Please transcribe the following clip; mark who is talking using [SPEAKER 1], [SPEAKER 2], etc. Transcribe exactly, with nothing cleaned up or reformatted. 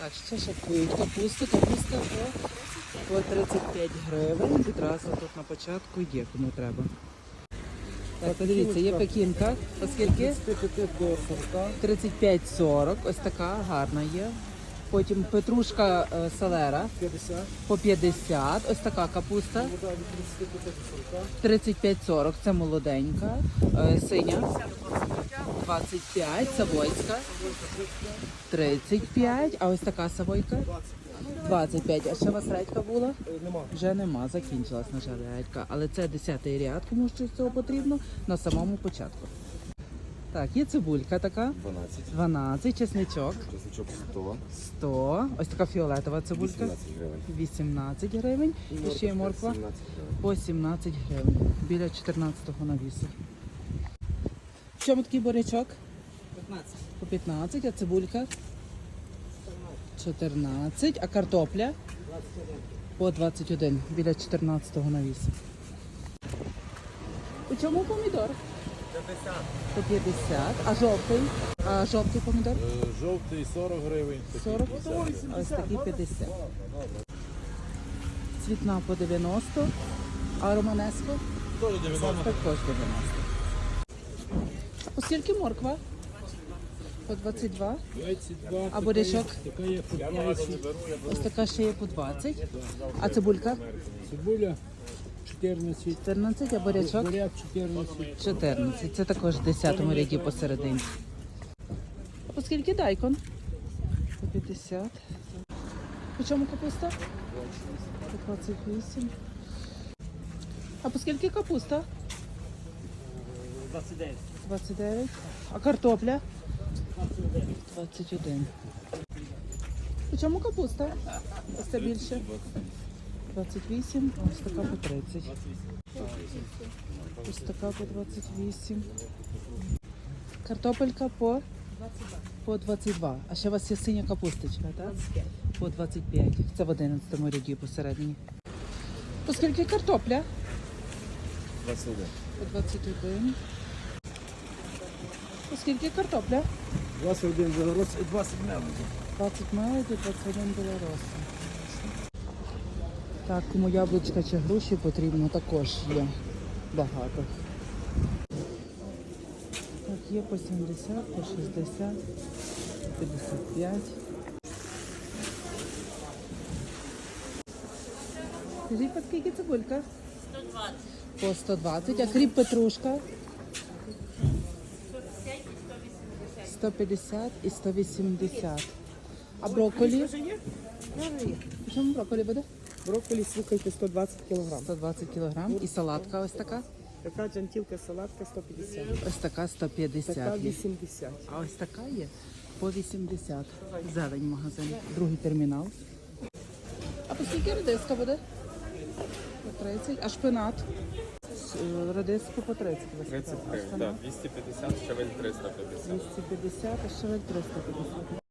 [SPEAKER 1] Так, ще шапкують капусту, капуста по, по тридцять п'ять гривень. Відразу тут на початку є, кому треба. Так, подивіться, є пекінка, оскільки тридцять п'ять сорок, ось така гарна є. Потім петрушка е, селера по п'ятдесят, ось така капуста тридцять п'ять сорок, це молоденька, е, синя двадцять п'ять, савойська тридцять п'ять, а ось така савойка двадцять п'ять. А ще у вас редька була?
[SPEAKER 2] Нема.
[SPEAKER 1] Вже нема, закінчилась, на жаль, редька. Але це десятий ряд, кому що з цього потрібно, на самому початку. Так, є цибулька така.
[SPEAKER 2] дванадцять.
[SPEAKER 1] дванадцять, чесничок.
[SPEAKER 2] Чесничок сто.
[SPEAKER 1] сто. Ось така фіолетова цибулька.
[SPEAKER 2] вісімнадцять гривень.
[SPEAKER 1] вісімнадцять гривень. І ще є морква
[SPEAKER 2] сімнадцять гривень.
[SPEAKER 1] по сімнадцять гривень. Біля чотирнадцятого навісу. В чому такий бурячок?
[SPEAKER 3] п'ятнадцять.
[SPEAKER 1] По п'ятнадцять, а цибулька? чотирнадцять, а картопля? По двадцять один, біля чотирнадцятого навісу. У чому помідор?
[SPEAKER 2] п'ятдесят.
[SPEAKER 1] По п'ятдесят, а жовтий? А жовтий помідор?
[SPEAKER 2] Е, Жовтий сорок гривень.
[SPEAKER 1] сорок, а ось такі п'ятдесят. Цвітна по дев'яносто, а романеско?
[SPEAKER 2] Теж дев'яносто.
[SPEAKER 1] Також дев'яносто. По скільки морква? По двадцять два.
[SPEAKER 2] двадцять два.
[SPEAKER 1] А бурячок?
[SPEAKER 2] Така є по п'ятдесят.
[SPEAKER 1] Ось така ще є по двадцять. А цибулька?
[SPEAKER 2] Цибуля чотирнадцять.
[SPEAKER 1] чотирнадцять, а бурячок?
[SPEAKER 2] Буряк чотирнадцять.
[SPEAKER 1] чотирнадцять. Це також в десятому ряді посередині. А по скільки дайкон? По п'ятдесят. По чому капуста? По двадцять вісім. А по скільки капуста?
[SPEAKER 3] двадцять дев'ять.
[SPEAKER 1] двадцять дев'ять. А картопля? двадцять один. По чому капуста? Ось це більше. двадцять вісім, а ось така по тридцять. Ось така по двадцять вісім. Картопелька по? По двадцять два. А ще у вас є синя капусточка, так? По двадцять п'ять. Це в одинадцятому ряді посередині. По скільки картопля?
[SPEAKER 2] двадцять один.
[SPEAKER 1] По двадцять один. По скільки картопля?
[SPEAKER 2] двадцять один білорус і двадцять мелодів.
[SPEAKER 1] двадцять мелоді, двадцять один білороса. Так, кому яблучка чи груші потрібно, також є багато. Так, є по сімдесят, по шістдесят, п'ятдесят п'ять. Скажіть, по скільки цибулька?
[SPEAKER 4] сто двадцять.
[SPEAKER 1] По сто двадцять, а кріп петрушка? сто п'ятдесят і сто вісімдесят. А брокколі? В чому брокколі буде?
[SPEAKER 3] Брокколі, слухайте, сто двадцять кілограм.
[SPEAKER 1] сто двадцять кілограм. І салатка ось така?
[SPEAKER 3] Така джантілка салатка сто п'ятдесят.
[SPEAKER 1] Ось така сто
[SPEAKER 3] Така
[SPEAKER 1] п'ятдесят є.
[SPEAKER 3] вісімдесят.
[SPEAKER 1] А ось така є по вісімдесят. Зелень магазин. Другий термінал. А по скільки редиска буде? По тридцять. А шпинат? Е, Редиску по тридцять. ви сказали.
[SPEAKER 5] тридцять
[SPEAKER 1] А
[SPEAKER 5] гривень,
[SPEAKER 1] шпинат?
[SPEAKER 5] так, двісті п'ятдесят, щавель триста п'ятдесят.
[SPEAKER 1] двісті п'ятдесят, а щавель триста п'ятдесят.